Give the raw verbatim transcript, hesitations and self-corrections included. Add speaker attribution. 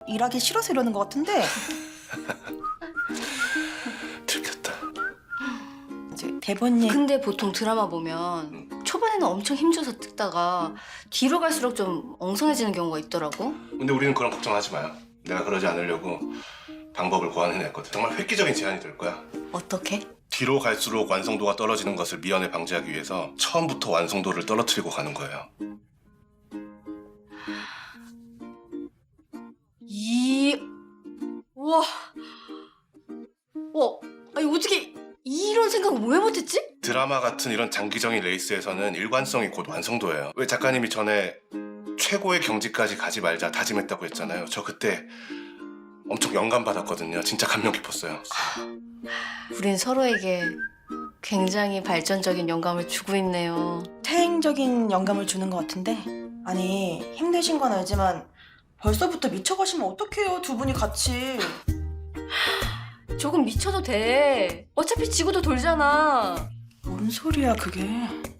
Speaker 1: 일하기 싫어서 이러는 것 같은데
Speaker 2: 들켰다.
Speaker 1: 이제 대본님
Speaker 3: 근데 보통 드라마 보면 초반에는 엄청 힘줘서 찍다가 뒤로 갈수록 좀 엉성해지는 경우가 있더라고.
Speaker 2: 근데 우리는 그런 걱정하지 마요. 내가 그러지 않으려고 방법을 고안해냈거든. 정말 획기적인 제안이 될 거야.
Speaker 3: 어떻게?
Speaker 2: 뒤로 갈수록 완성도가 떨어지는 것을 미연에 방지하기 위해서 처음부터 완성도를 떨어뜨리고 가는 거예요.
Speaker 3: 이... 우와... 와, 아니 어떻게 이런 생각을 왜 못했지?
Speaker 2: 드라마 같은 이런 장기적인 레이스에서는 일관성이 곧 완성도예요. 왜 작가님이 전에 최고의 경지까지 가지 말자 다짐했다고 했잖아요. 저 그때 엄청 영감 받았거든요. 진짜 감명 깊었어요.
Speaker 3: 우린 서로에게 굉장히 발전적인 영감을 주고 있네요.
Speaker 1: 퇴행적인 영감을 주는 것 같은데 아니 힘드신 건 알지만 벌써부터 미쳐가시면 어떡해요 두 분이 같이.
Speaker 3: 조금 미쳐도 돼. 어차피 지구도 돌잖아.
Speaker 1: 뭔 소리야 그게.